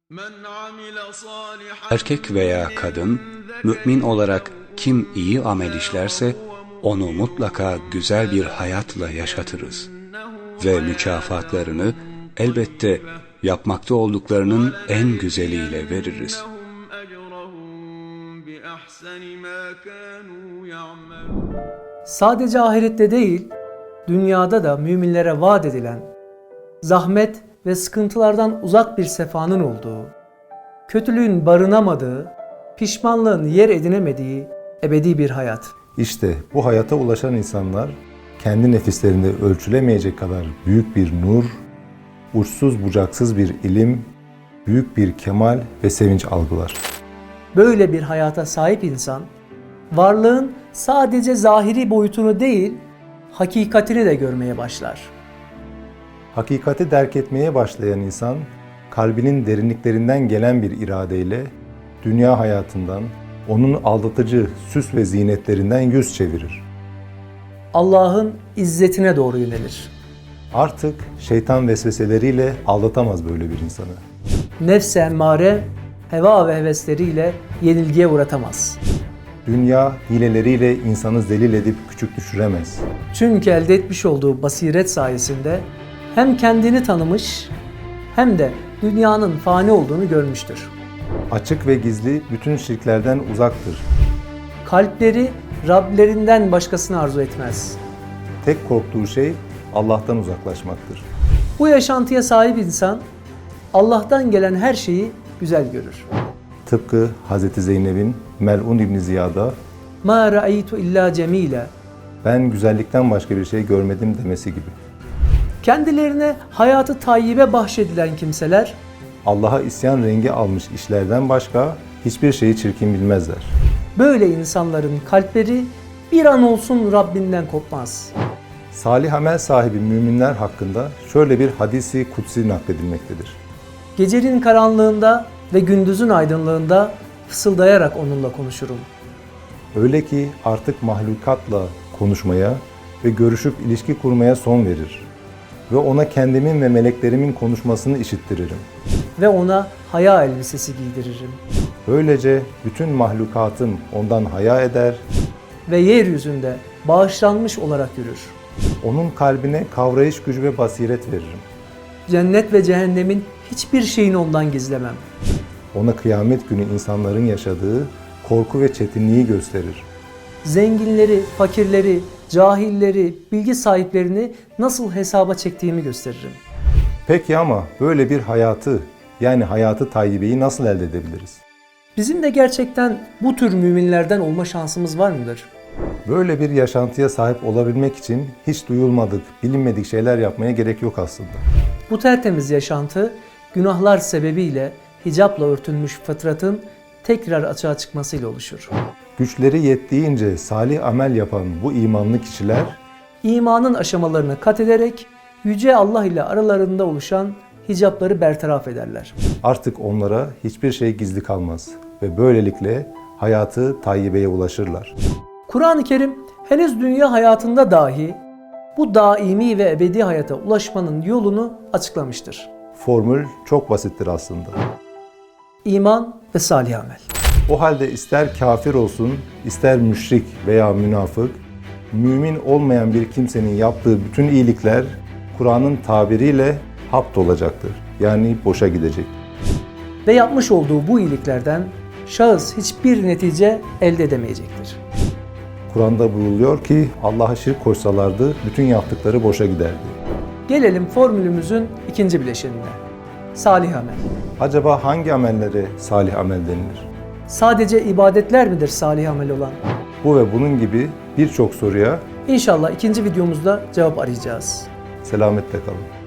Erkek veya kadın, mümin olarak kim iyi amel işlerse, onu mutlaka güzel bir hayatla yaşatırız. Ve mükafatlarını elbette yapmakta olduklarının en güzeliyle veririz. Sadece ahirette değil, dünyada da müminlere vaat edilen, zahmet ve sıkıntılardan uzak bir sefanın olduğu, kötülüğün barınamadığı, pişmanlığın yer edinemediği ebedi bir hayat. İşte bu hayata ulaşan insanlar kendi nefislerinde ölçülemeyecek kadar büyük bir nur, uçsuz bucaksız bir ilim, büyük bir kemal ve sevinç algılar. Böyle bir hayata sahip insan, varlığın sadece zahiri boyutunu değil, hakikatini de görmeye başlar. Hakikati derk etmeye başlayan insan, kalbinin derinliklerinden gelen bir iradeyle dünya hayatından, onun aldatıcı süs ve zinetlerinden yüz çevirir. Allah'ın izzetine doğru yönelir. Artık şeytan vesveseleriyle aldatamaz böyle bir insanı. Nefs-i emmare, heva ve hevesleriyle yenilgiye uğratamaz. Dünya hileleriyle insanı zelil edip küçük düşüremez. Çünkü elde etmiş olduğu basiret sayesinde hem kendini tanımış hem de dünyanın fani olduğunu görmüştür. Açık ve gizli bütün şirklerden uzaktır. Kalpleri Rablerinden başkasını arzu etmez. Tek korktuğu şey Allah'tan uzaklaşmaktır. Bu yaşantıya sahip insan Allah'tan gelen her şeyi güzel görür. Tıpkı Hz. Zeynep'in Mel'un İbn Ziyad'a مَا رَأَيْتُ اِلَّا جَمِيلًا ben güzellikten başka bir şey görmedim demesi gibi. Kendilerine hayatı tayyibe bahşedilen kimseler Allah'a isyan rengi almış işlerden başka hiçbir şeyi çirkin bilmezler. böyle insanların kalpleri bir an olsun Rabbinden kopmaz. Salih amel sahibi müminler hakkında şöyle bir hadisi kutsi nakledilmektedir. Gecenin karanlığında ve gündüzün aydınlığında fısıldayarak onunla konuşurum. Öyle ki artık mahlukatla konuşmaya ve görüşüp ilişki kurmaya son verir. Ve ona kendimin ve meleklerimin konuşmasını işittiririm. Ve ona haya elbisesi giydiririm. Böylece bütün mahlukatım ondan haya eder, Ve yeryüzünde bağışlanmış olarak yürür. onun kalbine kavrayış gücü ve basiret veririm. Cennet ve cehennemin hiçbir şeyini ondan gizlemem. Ona kıyamet günü insanların yaşadığı korku ve çetinliği gösterir. Zenginleri, fakirleri, cahilleri, bilgi sahiplerini nasıl hesaba çektiğimi gösteririm. Peki ama böyle bir hayatı, yani hayatı tayyibeyi nasıl elde edebiliriz? Bizim de gerçekten bu tür müminlerden olma şansımız var mıdır? Böyle bir yaşantıya sahip olabilmek için hiç duyulmadık, bilinmedik şeyler yapmaya gerek yok aslında. Bu tertemiz yaşantı, günahlar sebebiyle hicapla örtülmüş fıtratın tekrar açığa çıkmasıyla oluşur. Güçleri yettiğince salih amel yapan bu imanlı kişiler, İmanın aşamalarını kat ederek Yüce Allah ile aralarında oluşan hicapları bertaraf ederler. artık onlara hiçbir şey gizli kalmaz ve böylelikle hayatı tayyibeye ulaşırlar. Kur'an-ı Kerim henüz dünya hayatında dahi bu daimi ve ebedi hayata ulaşmanın yolunu açıklamıştır. Formül çok basittir aslında. İman ve salih amel. O halde ister kafir olsun, ister müşrik veya münafık, mümin olmayan bir kimsenin yaptığı bütün iyilikler Kur'an'ın tabiriyle hapt olacaktır. Yani boşa gidecek. Ve yapmış olduğu bu iyiliklerden şahıs hiçbir netice elde edemeyecektir. Kur'an'da buyruluyor ki Allah'a şirk koşsalardı bütün yaptıkları boşa giderdi. Gelelim formülümüzün ikinci bileşenine. Salih amel. Acaba hangi amellere salih amel denilir? Sadece ibadetler midir salih amel olan? Bu ve bunun gibi birçok soruya İnşallah ikinci videomuzda cevap arayacağız. selametle kalın.